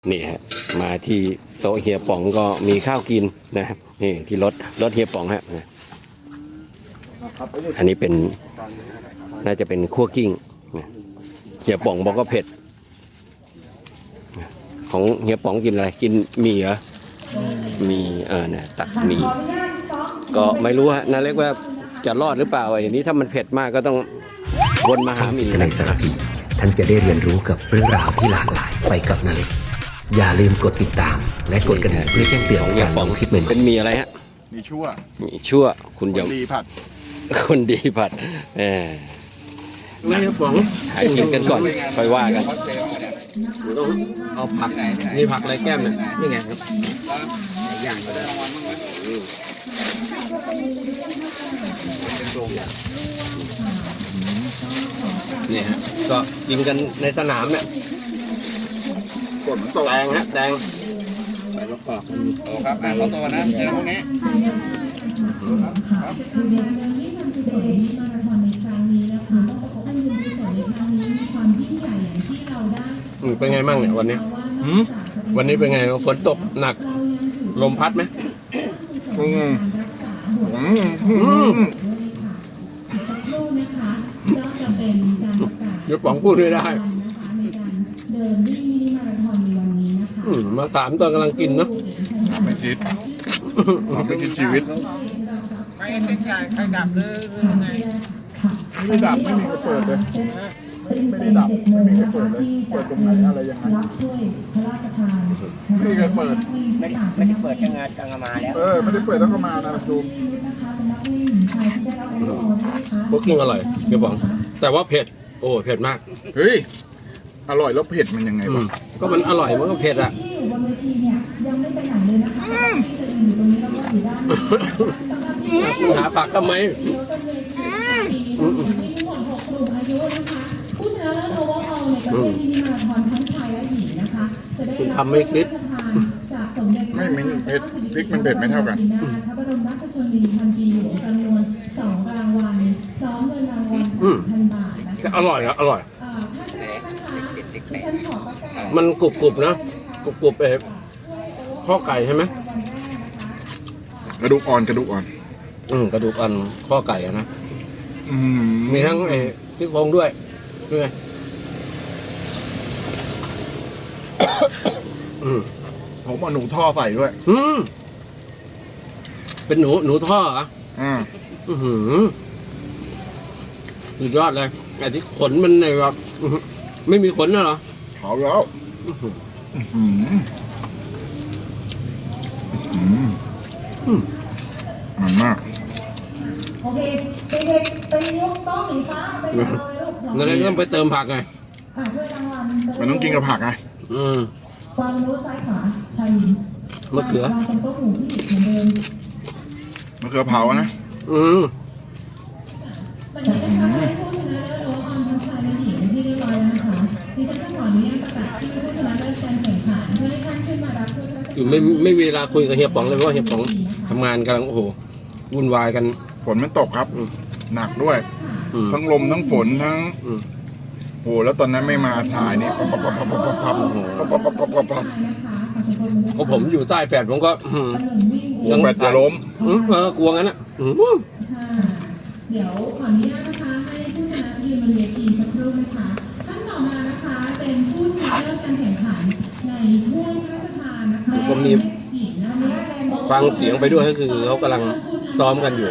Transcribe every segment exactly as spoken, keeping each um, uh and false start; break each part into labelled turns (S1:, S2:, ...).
S1: นี่ฮะมาที่โต๊ะเฮียป๋องก็มีข้าวกินนะครับนี่ที่รถรถเฮียป๋องฮะอันนี้เป็นน่าจะเป็นคั่วกิ้งเฮียป๋องบอกก็เผ็ดของเฮียป๋องกินอะไรกินหมี่เหรอมีเออเนี่ยตักหมี่ก็ไม่รู้ฮะน่าเรียกว่าจะรอดหรือเปล่าอย่างนี้ถ้ามันเผ็ดมากก็ต้องวนมาหาหมี่
S2: ในสารพีท่านจะได้เรียนรู้กับเรื่องราวที่หลากหลายไปกับนาเล็กอย่าลืมกดติดตามและกดกระดิ่งเพื่อแจ้งเตือนการลงคลิปใหม่ๆ
S1: เป็นมีอะไรฮะ
S3: มีชั่ว
S1: มีชั่วคุณ
S3: ค
S1: ย
S3: น
S1: ม
S3: ดีผัด
S1: คนดีผัดเออ
S2: ไม่ครับผม
S1: หายกินกันก่อนค่อยว่ากันเอาผักมีผักอะไรแก้มเนี่ยนี่ไงครับย่างก็ได้นี่ฮะก็กินกันในสนามเนี่ย
S3: กดมันตก
S1: แดงฮะแดง
S3: ใส่มะกอก
S4: โอ้ครับอ่าเขาตัวนะเจอพวกนี้
S1: อืมเป็นไงมั่งเนี่ยวันนี้วันนี้เป็นไงฝนตกหนักลมพัดไหม
S3: อืมอืม
S1: อืมเดี๋ยวป๋องพูดด้วยได้อืมมาถามตอนกำลังกินเนาะ
S3: ไม่คิดไม่คิดชีวิต
S4: ใครเป็นใครใครดับหรือไง
S3: ไม่ดับไม่มีใครเปิดเลยไม่ได้ดับไม่มีใครเปิดเลยเปิดตรงไหนอะไรยังไงไม่มีใครเปิด
S4: ไม่ได้ไม่ได้เปิดยังไงจังมาแล้ว
S3: เออไม่ได้เปิดแล้วก็มานะดู
S1: พวกกิ้งอร่อยเดี๋ยวป๋องแต่ว่าเผ็ดโอ้เผ็ดมาก
S3: เฮ้ยอร่อยแล้วเผ็ดมันยังไง
S1: อื
S3: วะ
S1: มก็มันอร่อยมันก็เผ็ดอ่ะหาปากทำไมอืมคุณทำไม่คิด
S3: ไม่มันเผ็ดพริกมันเผ็ดไม่เท่ากัน
S1: อืมอร่อยครับอร่อย มันกรุบกรุบๆนะกรุบกรุบๆเอข้อไก่ใช่ไหม
S3: กระดูกอ่อนกระดูกอ่อน
S1: อืมกระดูกอ่อนข้อไก่อะนะ
S3: อืม
S1: มีทั้งไอ้พี่โครงด้วยด้วยไงอืม
S3: ผมเอาหนูท่อใส่ด้วย
S1: อืมเป็นหนูหนูท่อเหรอ
S3: อ่า
S1: อือหือสุดยอดเลยไอ้ที่ขนมันในแบบอื้อหือไม่มีขนนะเหรอ
S3: เผาแล้วอืมอืมอืมมันมาก
S5: โอเคเด็กๆไปยกโต๊ะสีฟ้าไปรอเลยลูก
S1: นั่นเลยต้องไปเติมผักไง
S5: อ่ะช่วยรางวัล
S3: มันต้องกินกับผักไง
S1: อืม
S5: ความรู้ซ้ายขวาชายหญิง
S1: มะเขือ
S5: วางตรงโต๊ะหมู่ที่เหมือนเดิม
S3: มะเขือเผานะ
S1: อืม
S5: วันนี้นะคะให้ผู้ชนะเลิศโอออนทั้งชายและหญิงที่เรียบร้อยแล้วนะคะดิฉันจะขออนุญาตประกาศชื่อผู้ชนะเลิศการแข่งขันเพื่อให้ท่านขึ้นมารับถ้วยพระราชทาน
S1: อยู่ไม่ไม่มีเวลาคุยกับเฮียป๋องเลยเพราะว่าเฮียป๋องทำงานกำลังโอ้โหวุ่นวายกัน
S3: ฝนมันตกครับ หนักด้วย
S1: อืม
S3: ทั้งลมทั้งฝนทั้ง
S1: อืม
S3: โอ้แล้วตอนนั้นไม่มาถ่ายนี่ปั๊บปั๊บปั๊บปั๊บปั๊บปั๊บปั๊บปั๊บปั๊บปั๊บปั๊บ
S1: เพราะผมอยู่ใต้แฝดผมก็อืม
S3: ยังแฟดจะล้ม
S1: อืมเออกลัวงั้นอ่ะอืม
S5: ค่ะเดี๋ยวขออนุญาตนะคะให้ผู้ชนะยืนบนเวทีสักครู่นะคะท่านต่อมานะคะเป็นผู้ชนะเลิศการแข่งขันในถ้วยพระราชทานนะคะ
S1: ผมมีฟังเสียงไปด้วยก็คือเขากำลังซ้อมกันอยู่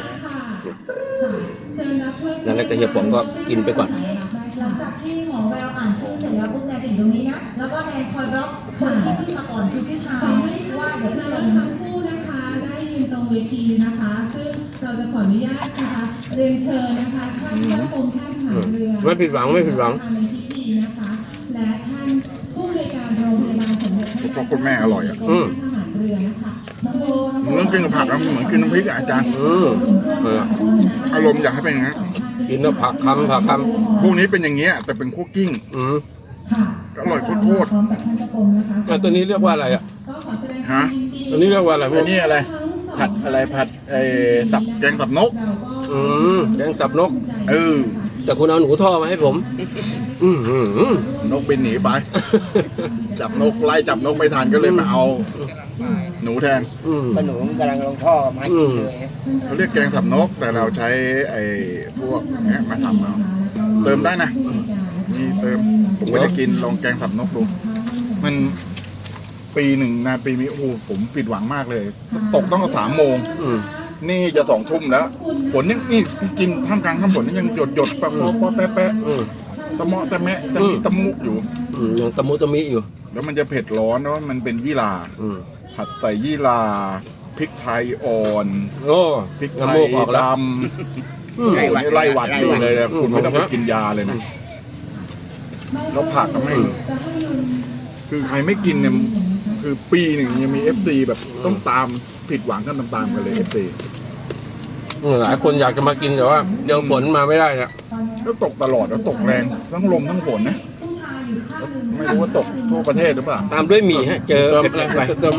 S1: นั่นแหละก็เฮียป๋องก็กินไปก่อน
S5: หลังจากที่หมอแววอ่านชื่อเสร็จแล้วปุ๊บแนนจะอยู่ตรงนี้นะแล้วก็แนนคอยบล็อกคนที่ขึ้นมาก่อนคือพี่ชายว่าเดี๋ยว
S6: เรา
S5: เรา
S6: ทั้งคู่นะคะได้ยืนตรงเวทีนะคะ ซึ่งเราจะขออนุญาตนะคะเรียนเชิญนะคะท่านเจ้ากรมแพทย์ทหารเรือ
S1: ไม่ผิดหวังไม่ผิดหวัง
S6: ในพิธีนะคะ และท่านผู้บริการโรงพยาบาลสมเด็จพระ
S3: พวกคุณแม่อร่อยอ่ะ
S1: อืม
S6: ทหารเรือนะคะ
S3: มันต้องกินกับผักนะเหมือนกินน้ำพริกอะอาจารย์
S1: อืมเออ
S3: อารมณ์อยากให้เป็นอย่างนั้น
S1: กินแล้วผักคำผักค
S3: พวกนี้เป็นอย่างเงี้ยแต่เป็นคั่วกิ้ง
S1: ำอืม
S5: ค่ะ
S3: อร่อยโคตร
S5: พร้อมกับท่านเจ้ากรมนะคะ
S1: แล้วตัวนี้เรียกว่าอะไรอ่ะ
S6: ก็ขอแสดง
S3: ฮะ
S1: ตัวนี้เรียกว่าอะไรพว
S3: อั
S1: ก
S3: นนี้อะไร ผัดอะไรผัดไอ้สับแกงสับนก
S6: เราก็
S1: อืมแกงสับนก
S3: เออ
S1: แต่คุณเอาหนูท่อมาให้ผม อืม
S3: นกบินหนีไป
S6: ไ
S3: จับนกไล่จับนกไม่ทันก็เลยมาเอาหนูแทน
S1: อืม
S4: ขนมกำลังลงท่อมากินเลย
S3: เขาเรียกแกงสับนกแต่เราใช้ไอ้พวกเนี้ยมาทำเอาเติมได้นะนี่เติมผมไม่ได้กินลองแกงสับนกดูมันปีหนึ่งนาปีนี้โอ้โหผมผิดหวังมากเลย ตกต้องสามโมง
S1: อืม
S3: นี่จะสองทุ่มแล้วฝนยังนี่กินท่ามกลางท่ามฝนนี่ยังหยดหยดๆปะปะปะแปะแปะ
S1: อืม
S3: ตะเมาะตะแมะตะมิตะมุอยู่
S1: อืมยังตะมุตะมิอยู่
S3: แล้วมันจะเผ็ดร้อนเพราะว่ามันเป็นยี่หร่า
S1: อืม
S3: ผัดใส่ยี่หร่าพริกไทยอ่อน
S1: โอ้
S3: พริกไท
S1: น้ำ
S3: ย
S1: มูกออก
S3: ด
S1: แล้ว
S3: ำ
S1: อืม
S3: ไล่หวัดไล่หวัดอยู่เลยนะ
S1: อืม
S3: คุณไม่ต้องไปกินยาเลยนะแล้วผักก็ไม่คือใครไม่กินเนี่ยคือปีหนึ่งยังมีเอฟซีแบบต้องตามผิดหวังกันตามๆกันเลยเอฟซี
S1: หลายคนอยากจะมากินแต่ว่าเจอฝนมาไม่ได้เนี่ย
S3: แล้วตกตลอดแล้วตกแรงทั้งลมทั้งฝนนะแล้วไม่รู้ว่าตกทั่วประเทศหรือเปล่า
S1: ตามด้วยหมี่ฮะ เจอ
S3: เติม
S1: เผ็ดๆไปเติม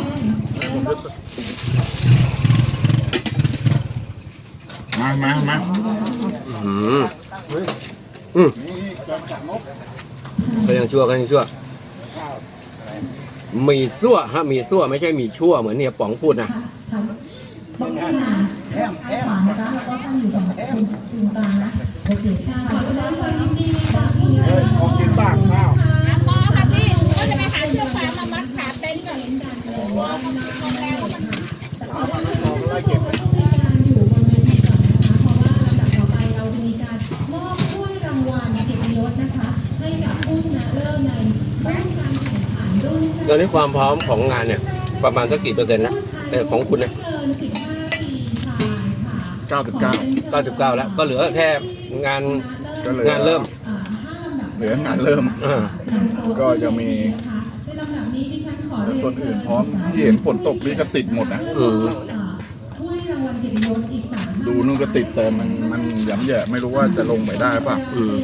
S3: มามามา
S1: อืมอืมก็ยังชั่วก็ยังชั่วหมี่ซั่วฮะหมี่ซั่วไม่ใช่หมี่ชั่วเหมือนเนี่ยป๋องพูดนะ
S4: แอมแอม
S3: เฮ้ยของกินบ้างข้าว
S7: พอค่ะพี่ก็จะไปหาเชือกฟางมามัดขาเต็นท์ก่อนกลัวมันลมแรงแล้วมัน
S6: มอบถ้วยรางวัลเกียรติยศนะคะให้กับผู้ชนะเลิศในรุ่นการแข่งขันรุ่น
S1: ตอนนี้ความพร้อมของงานเนี่ย ประมาณสักกี่เปอร์เซ็นต์นะเออของคุณเนี่ย
S6: เกินสิบห้าปีชายค่ะ
S3: เก้าสิบเก้า
S1: เก้าสิบเก้าแล้ว ก็เหลือแค่งาน
S3: ก็เหลือ
S1: งานเริ่ม
S6: อ่าห้าลำดับ
S3: เหลืองานเริ่ม
S1: อ่า
S3: ก็จะมี
S6: ในลำดับนี้ดิฉันขอเรียน
S3: ส่วนอื่นพร้อมที่เห็นฝนตกนี่ก็ติดหมดนะ
S1: อืม
S6: อ่าถ้วยรางวัลเกียรติยศอีกสาม
S3: ดูนู่นก็ติดแต่มันมันย้ำแย่ไม่รู้ว่าจะลงไปได้ป่ะ
S1: อืม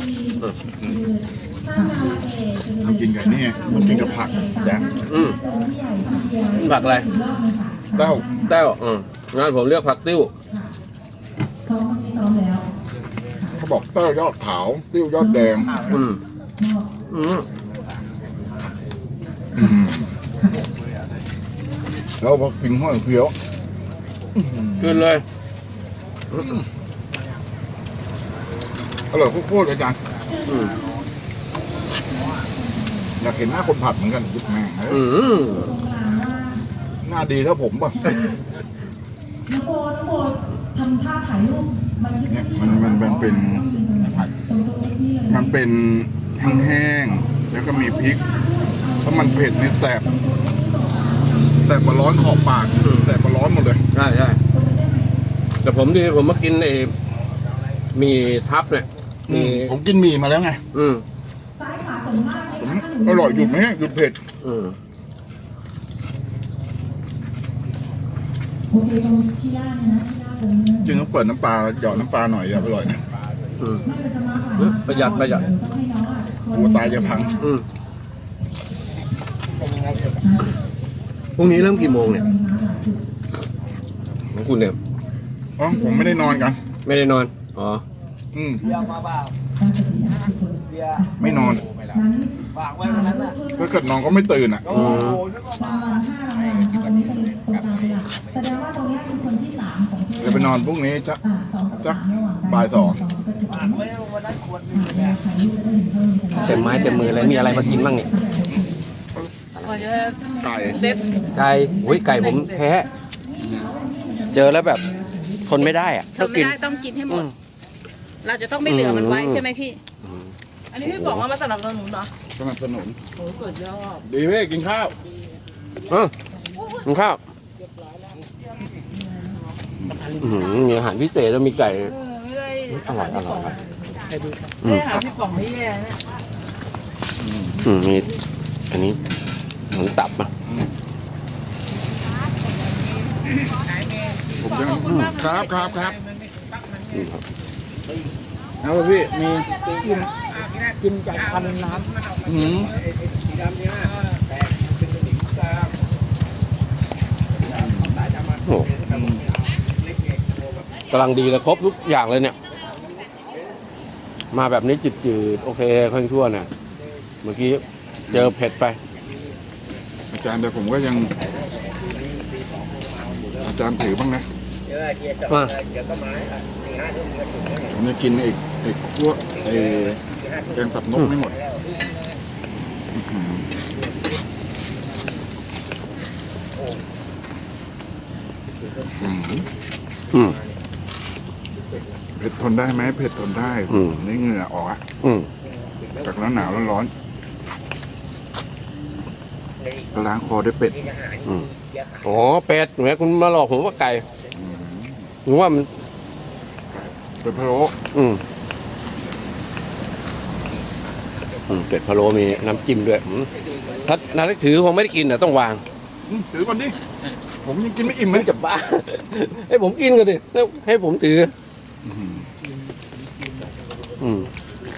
S3: ทำกินกับนี่มันกินกับผักแจ้ง
S1: อืมผักอะไร
S3: เต้า
S1: แต้วอืมงานผมเรียกผักติ้ว
S6: ซ้อมซ้อมแล้ว
S3: เขาบอกเต้ายอดขาวติ้วยอดแดง
S1: อืมอืม
S3: อืมแล้วพอกินห้อยเคี้ยว
S1: ขึ้นเลย
S3: อร่อยโคตรๆเลยอาจารย์
S1: อืม
S3: อยากเห็นหน้าคนผัดเหมือนกันยุบแม่งเอ้ย
S1: อืม
S3: หน้าดีแล้วผมป่ะ
S6: น้องโบน้องโบทำท่าถ่ายรูปมัน
S3: เนี่ยมันมันมันเป็นมันเป็นแห้งๆแล้วก็มีพริกแล้วมันเผ็ดในแสบแสบกว่าร้อนขอบปากแสบกว่าร้อนหมดเลย
S1: ใช่ใช่แต่ผมที่ผมมากินไอ้หมีทับเนี่ยมี
S3: ผมกินหมี่มาแล้วไง
S1: อืม
S6: ซ้ายขวาส่วนมาก
S3: ผมอร่อยหยุดไหมหยุดเผ็ด
S1: อืม
S6: โอเคตรงที่ด้านนะที่ด้านตรงนี้
S3: จริงต้องเปิดน้ำปลาหยอดน้ำปลาหน่อยอย่าอร่อยนะ
S1: อืม
S6: ไม่เป็นจะมาหา
S1: เอ้ยประหยัดประหยัด
S6: ต้องให้น้องอ่ะ
S3: กลัวตายจะพัง
S1: อืมพรุ่งนี้เริ่มกี่โมงเนี่ยของคุณเนี่ย
S3: อ๋อผมไม่ได้นอนกัน
S1: ไม่ได้นอนอ๋อ
S3: อืม
S4: เบียร์มาเปล่าเบียร์
S3: ไม่นอน
S4: ฝากไว้วันนั้นน่ะ
S3: ถ้าเกิดนอนก็ไม่ตื่นอ่ะ
S4: โอ้โหนึกว่ามา
S6: ห้ารางวัลตรงนี้เป็นตรงกลางเป็นหลักแสดงว่าตรงนี้เป็นคนที่สามของเท
S3: เดี๋ยวไปนอนพรุ่งนี้จะ
S6: อ่าสองกับ
S3: สั
S6: สาก มระหว่างกัน
S3: บ่ายสอง
S6: สองก็ถือ
S4: ฝา
S6: ว่าก
S4: ไว้วันนั้นขวดหนึงเนี่ย
S6: ถ่ายรูปได้ถึงเท่านี้
S1: เต็มไม้เต็มมือเลยมีอะไรมากินบ้างเนี่ย
S3: ไก่
S1: ไก่โอ้ยไก่ผมแพ้ เจอแล้วแบบทนไม่ได้อะ
S7: ทำไม่ได้ต้องกินให้หมด เราจะต้องไม่เหลือมันไว้ใช่ไหมพี่
S8: อันนี้พี่บอกว่ามาสนับสนุนเหรอ
S3: สนับสนุน
S8: โอ้สุดยอด
S3: ดีเว้ยกินข้าว
S1: เออกินข้าวอื้อหือมีอาหารพิเศษแล้วมีไก่
S8: เออไม่ได้
S1: อร่อยอร่อยอร่อย
S8: ไม่ได้หาพี่ป๋องไม่แย่นะ
S1: อืมมีอันนี้หมูตับอ่ะ
S3: ผมจะครับครับครับเอาไปพี่มี
S4: กินจากพันน้
S3: อืม
S1: โอ้กำลังดีเลยครบทุกอย่างเลยเนี่ย มาแบบนี้จืดๆโอเคค่อยชั่วเนี่ยเมื่อกี้เจอเผ็ดไป
S3: จารย์แต่ผมก็ยัง อาจารย์ถือบ้างนะ
S1: อ่ะ
S3: ผมจะกินไอ้ไอ้พวกไอ้แกงสับนกไม่หมดอื้อหืออื้อหือ
S1: อืม
S3: เผ็ดทนได้ไหมเผ็ดทนได้
S1: อืม
S3: นี่เหงื่อออกอะ
S1: อืม
S3: จากหนาวหนาวร้อนร้อนก็ล้างคอด้วยเป็ด
S1: อืมอ๋อเป็ดแหมคุณมาหลอกผมว่าไก่หนูว่ามัน
S3: เป็ดพะโล้
S1: อืมอืมเป็ดพะโล้มีน้ำจิ้มด้วยอืมถ้านาเล็กถือคงไม่ได้กินอ่ะต้องวาง
S3: อืมถือก่อนดิผมยังกินไม่อิ่มเล
S1: มัน
S3: ย
S1: จะบ้า ให้ผมกินกันดิแล้วให้ผมถือ
S3: อื้อหือ
S1: อืม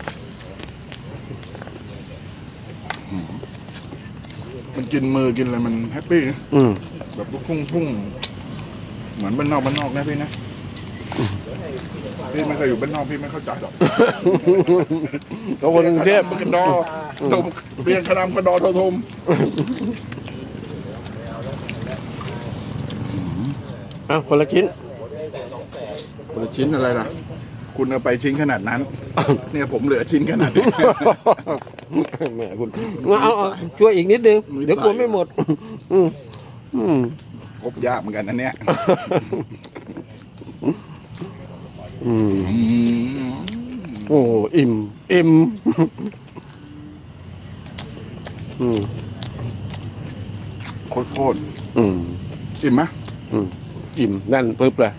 S3: มันกินมือกินอะไรมันแฮปปี้นะ
S1: อืม
S3: แบบลูกพุ่งพุ่งเหมือนบ้านนอกบ้านนอกนะพี่นะพี่ไม่เคยอยู่บ้านนอกพี่ไม่เข้าใจหรอก
S1: ตัวคนกรุงเทพ
S3: กระดอดมเรียนคณะกระดอโททม
S1: อ่ะคนละชิ้น
S3: คนละชิ้นอะไรล่ะ คุณเอาไปชิ้นขนาดนั้น เนี่ยผมเหลือชิ้นขนาดนี้
S1: แหมคุณเอาเอาช่วยอีกนิดนึง
S3: มือ
S1: เดี๋ยวกลัวไม่หมด อืมอืม
S3: พบยากเหมือนกันนะเนี่ย
S1: อืม
S3: อืม
S1: โอ้อิ่ม อิ่ม อืม
S3: โคตรโคตร
S1: อืม
S3: อิ่มไหม
S1: อืมอิ่มแน่นปึ๊บเลย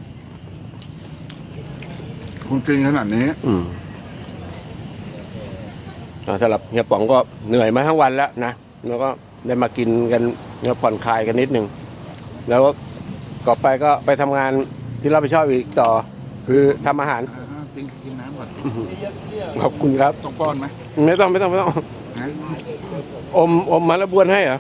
S3: คุณกินขนาดนี้
S1: อืมอ่าสำหรับเฮียป๋องก็เหนื่อยมาทั้งวันแล้วนะแล้วก็ได้มากินกันแล้วผ่อนคลายกันนิดนึงแล้วก็ต่อไปก็ไปทำงานที่รับผิดชอบอีกต่อ คือทำอาหาร
S3: อ่ากินกินน้ำก่อน
S1: ขอบคุณครับ
S3: ต้องป้อนไหม
S1: ไม่ต้องไม่ต้องไม่ต้อง
S3: นะ
S1: อมอมมาแล้วบวนให้เหรอ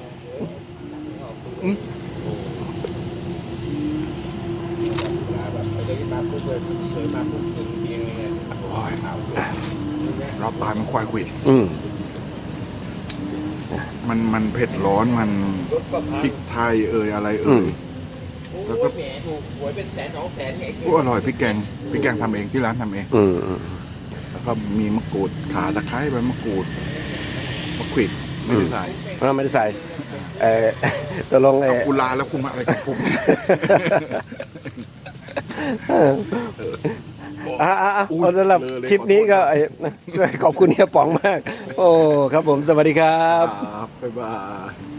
S3: โอ้ยเราตายมันควายขวิด
S1: อืม
S3: มันมันเผ็ดร้อนมันพริกไทยเอ่ยอะไร
S1: อื
S3: เอ่
S1: ม
S3: ยแล้วก็โอ้อร่อยพริกแกงพริกแกงทำเองที่ร้านทำเอง
S1: อืมอืม
S3: แล้วก็มีมะกรูดขาตะไคร้ใบมะกรูดมะขวิดไม่ได้ใส่
S1: เราไม่ได้ใส่เออตกลงเอ
S3: เอา
S1: อ
S3: คุณลาแล้วคุณมาอะไรกับผม
S1: อ่าอ่า
S3: อุ๊ย
S1: เอาสำหรับ
S3: เลอะเลย
S1: คลิปนี้ก็
S3: ขอโทษ
S1: ไอ้ขอบคุณเฮียป๋องมาก โอ้ครับผมสวัสดีครับ
S3: ครับบ๊ายบาย